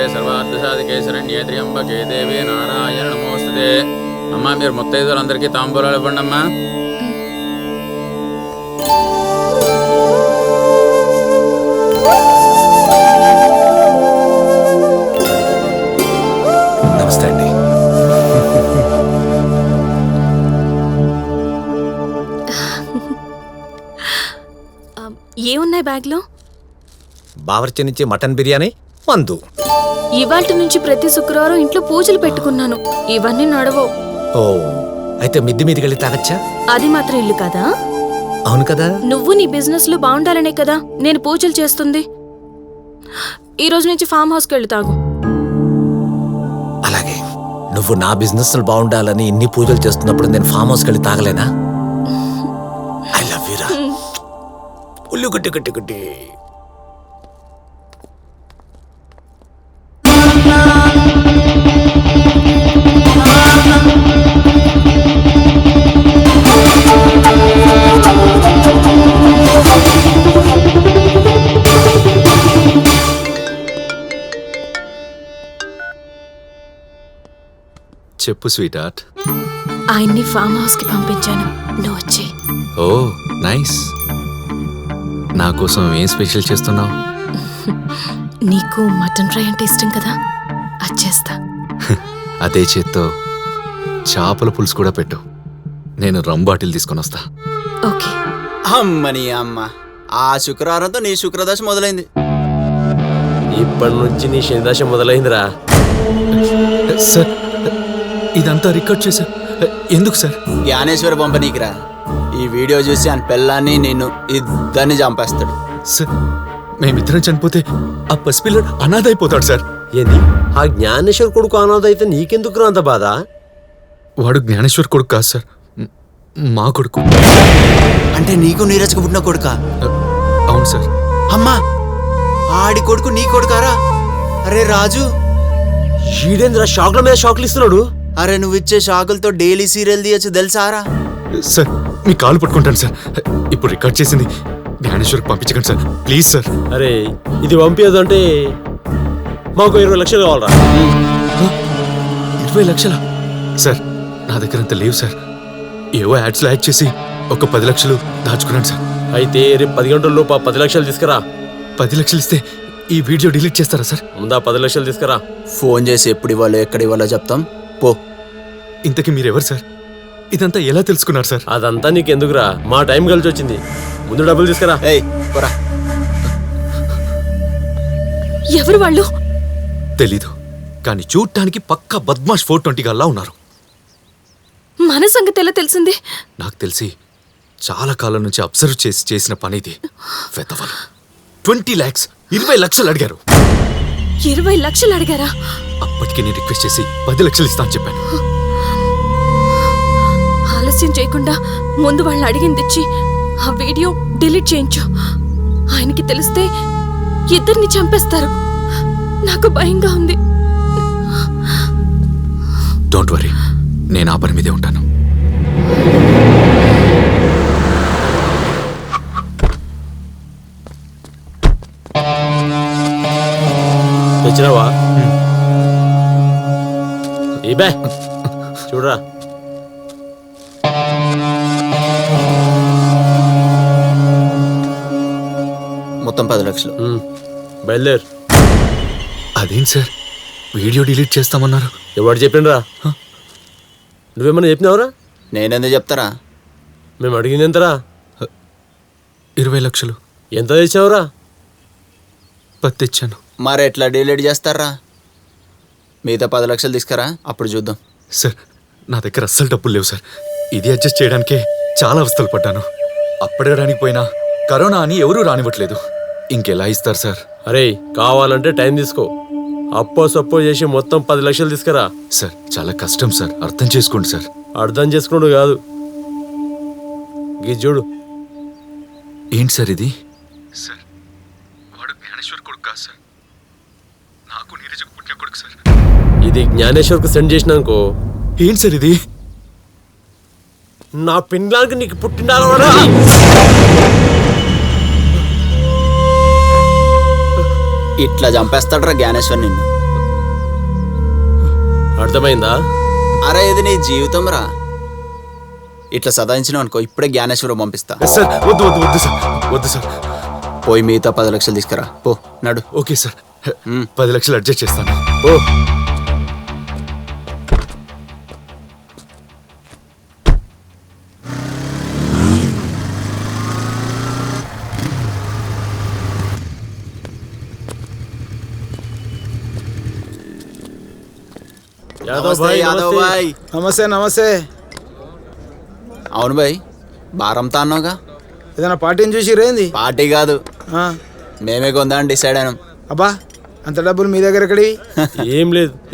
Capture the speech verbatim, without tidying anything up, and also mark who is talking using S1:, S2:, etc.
S1: సర్వార్థ సాధికే శరణ్యే త్ర్యంబకే దేవే నారాయణ నమోస్తుతే. అమ్మా మీరు ముత్తైదులందరికీ తాంబూలాలు ఇవ్వండి అమ్మా.
S2: నమస్తే అండి.
S3: ఏమున్నాయి బ్యాగ్లో?
S2: బావర్చి నుంచి మటన్ బిర్యానీ, మందు.
S3: ఇవాల్టి నుంచి ప్రతి శుక్రవారం ఇంట్లో పూజలు పెట్టుకున్నాను. ఇవన్నీ నడవవు.
S2: ఓ, అయితే మిద్ది మీదకి వెళ్ళి తాగచ్చా?
S3: అది మాత్రం ఇల్లు కదా.
S2: అవును కదా.
S3: నువ్వు నీ బిజినెస్ లో బాగుండాలనే కదా నేను పూజలు చేస్తుంది. ఈ రోజు నుంచి ఫామ్ హౌస్కి వెళ్ళి తాగు.
S2: అలాగే. నువ్వు నా బిజినెస్ బాగుండాలని ఇన్ని పూజలు చేస్తున్నప్పుడు నేను ఫామ్ హౌస్కి వెళ్ళి తాగలేనా? ఐ లవ్ యూ రా. ఉల్లు గుట్టి గుట్టి గుట్టి.
S4: చెప్పు స్వీట్ హార్ట్.
S3: ఆయన్ని ఫామ్ హౌస్ కి పంపించాను, నువ్వు వచ్చే.
S4: Oh nice. నా కోసం ఏం స్పెషల్ చేస్తున్నావు?
S3: నీకు మటన్ ఫ్రై అంటే ఇష్టం కదా, వచ్చేస్తా.
S4: అదే చేత్తో చేపల పులుసు కూడా పెట్టు. నేను రమ్ బాటిల్ తీసుకొని వస్తా.
S3: ఓకే.
S5: అమ్మని అమ్మ, ఆ శుక్రవారంతో నీ శుక్రదశ మొదలైంది.
S6: ఇప్పటి నుంచి నీ శనిదశ మొదలైందిరా.
S4: సార్ ఇదంతా రికార్డ్ చేశా ఎందుకు సార్?
S5: జ్ఞానేశ్వర పంపనీకిరా. ఈ వీడియో చూసి ఆయన పిల్లాన్ని నిన్ను ఇద్దరిని చంపేస్తాడు.
S4: సార్ మేమిద్దరం చనిపోతే ఆ పసిపిల్లడు అనాథ అయిపోతాడు సార్.
S6: ఏంది? ఆ జ్ఞానేశ్వర్ కొడుకు అనాథ అయితే నీకెందుకు అంత బాధ?
S4: వాడు జ్ఞానేశ్వర్ కొడుకు కాదు సార్, మా కొడుకు.
S5: అంటే నీకు నీరజకు పుట్టిన కొడుకా?
S4: అవును సార్.
S5: అమ్మా, ఆడి కొడుకు నీ కొడుకారా? అరే రాజు,
S6: ఈడేంద్ర షాక్ల మీద షాక్లు ఇస్తున్నాడు.
S5: అరే నువ్వు ఇచ్చే షాకులతో డైలీ సీరియల్ తీయచ్చు తెలుసారా?
S4: సార్ మీ కాలు పట్టుకుంటాను సార్. ఇప్పుడు రికార్డ్ చేసింది జ్ఞానేశ్వర్కి పంపించకండి సార్, ప్లీజ్ సార్.
S6: అరే ఇది పంపించదు అంటే మాకు ఇరవై లక్షలు కావాలరా.
S4: ఇరవై లక్షల సార్? నా దగ్గర అంత లేవు సార్. ఏవో యాడ్స్లో యాడ్ చేసి ఒక పది లక్షలు దాచుకున్నాను సార్.
S6: అయితే రేపు పది గంటల లోపు ఆ పది లక్షలు తీసుకురా.
S4: పది లక్షలు ఇస్తే ఈ వీడియో డిలీట్ చేస్తారా సార్?
S6: ముందా పది లక్షలు తీసుకురా.
S5: ఫోన్ చేసి ఎప్పుడు ఇవ్వాలో ఎక్కడ ఇవ్వాలో చెప్తాం పో.
S4: ఇంతకీ మీరెవరు సార్? ఇదంతా ఎలా తెలుసుకున్నారు సార్?
S6: అదంతా నీకెందుకురా, మా టైం కలిసి వచ్చింది. ముందు డబ్బులు తీసుకురా.
S5: ఏయ్ పోరా.
S3: ఎవరు వాళ్ళు?
S4: తెలీదు, కానీ చూడటానికి పక్కా బద్మాష్ ఫోర్ ట్వంటీ గల్లా ఉన్నారు.
S3: మన సంగతి ఎలా తెలిసింది?
S4: నాకు తెలిసి చాలా కాలం నుంచి అబ్జర్వ్ చేసి చేసిన పని ఇది. వెతవలు ట్వంటీ ల్యాక్స్ ఇరవై లక్షలు అడిగారు.
S3: ఇరవై లక్షలు అడిగారా?
S4: అప్పటికి నేను రిక్వెస్ట్ చేసి పది లక్షలు ఇస్తా అని చెప్పాను.
S3: ఆలస్యం చేయకుండా ముందు వాళ్ళు అడిగింది ఇచ్చి ఆ వీడియో డిలీట్ చేయించు. ఆయనకి తెలిస్తే ఇద్దరిని చంపేస్తారు. నాకు భయంగా ఉంది.
S4: డోంట్ వరీ, నేను ఆ పని మీదే ఉంటాను.
S6: తెచ్చినావా? ఈ బే చూడరా.
S5: మొత్తం పది లక్షలు.
S6: బయలుదేరు.
S4: అదేంటి సార్ వీడియో డిలీట్ చేస్తామన్నారు?
S6: ఎవరు చెప్పిండ్రా? నువ్వేమన్నా చెప్పినావురా?
S5: నేనెందుకు చెప్తారా?
S6: మేము అడిగింది ఎంతరా?
S4: ఇరవై లక్షలు.
S6: ఎంత తెచ్చావురా?
S4: పది తెచ్చాను.
S5: మరి ఎట్లా డిలీట్ చేస్తారా? మిగతా పది లక్షలు తీసుకురా, అప్పుడు చూద్దాం.
S4: సార్ నా దగ్గర అస్సలు డబ్బులు లేవు సార్. ఇది అడ్జస్ట్ చేయడానికే చాలా అవస్థలు పడ్డాను. అప్పడడానికి పోయినా కరోనా అని ఎవరూ రానివ్వట్లేదు. ఇంకెలా ఇస్తారు సార్?
S6: అరే కావాలంటే టైం తీసుకో. అప్పో సప్పో చేసి మొత్తం పది లక్షలు తీసుకురా.
S4: సార్ చాలా కష్టం సార్, అర్థం చేసుకోండి సార్.
S6: అర్థం చేసుకున్నాడు కాదు, గీ చూడు.
S4: ఏంటి సార్ ఇది? సార్ వాడు జ్ఞానేశ్వర్ కొడుకు కాదు సార్, నాకు నీరజకు పుట్టిన కొడుకు సార్.
S6: ఇది జ్ఞానేశ్వర్కు సెండ్ చేసినాకో.
S4: ఏంటి సార్ ఇది?
S6: నా పిల్లానికి నీకు పుట్టిన
S5: ఇట్లా చంపేస్తాడ్రా జ్ఞానేశ్వర్ నిన్ను.
S6: అర్థమైందా?
S5: అరే ఇది నీ జీవితం రా. ఇట్లా సదాయించినావు అనుకో ఇప్పుడే జ్ఞానేశ్వరం పంపిస్తా.
S4: సార్ వద్దు వద్దు వద్దు సార్ వద్దు సార్.
S5: పోయి మిగతా పది లక్షలు తీసుకురా పో నడు.
S4: ఓకే సార్,
S5: మ్మ్.
S4: పది లక్షలు అడ్జస్ట్ చేస్తాను.
S5: ఓ
S6: యాదవ్
S5: నమస్తే
S6: భాయ్
S5: యాదవ్
S6: నమస్తే.
S5: భాయ్.
S7: నమస్తే నమస్తే.
S5: అవును భాయ్ బారంతా అన్నావుగా.
S7: ఏదైనా పార్టీని చూసి రేంది?
S5: పార్టీ కాదు
S7: ఆ,
S5: మేమే కొందా అని డిసైడ్ అయినాం.
S7: అబ్బా అంత డబ్బులు మీ దగ్గర ఎక్కడి?
S6: ఏం లేదు,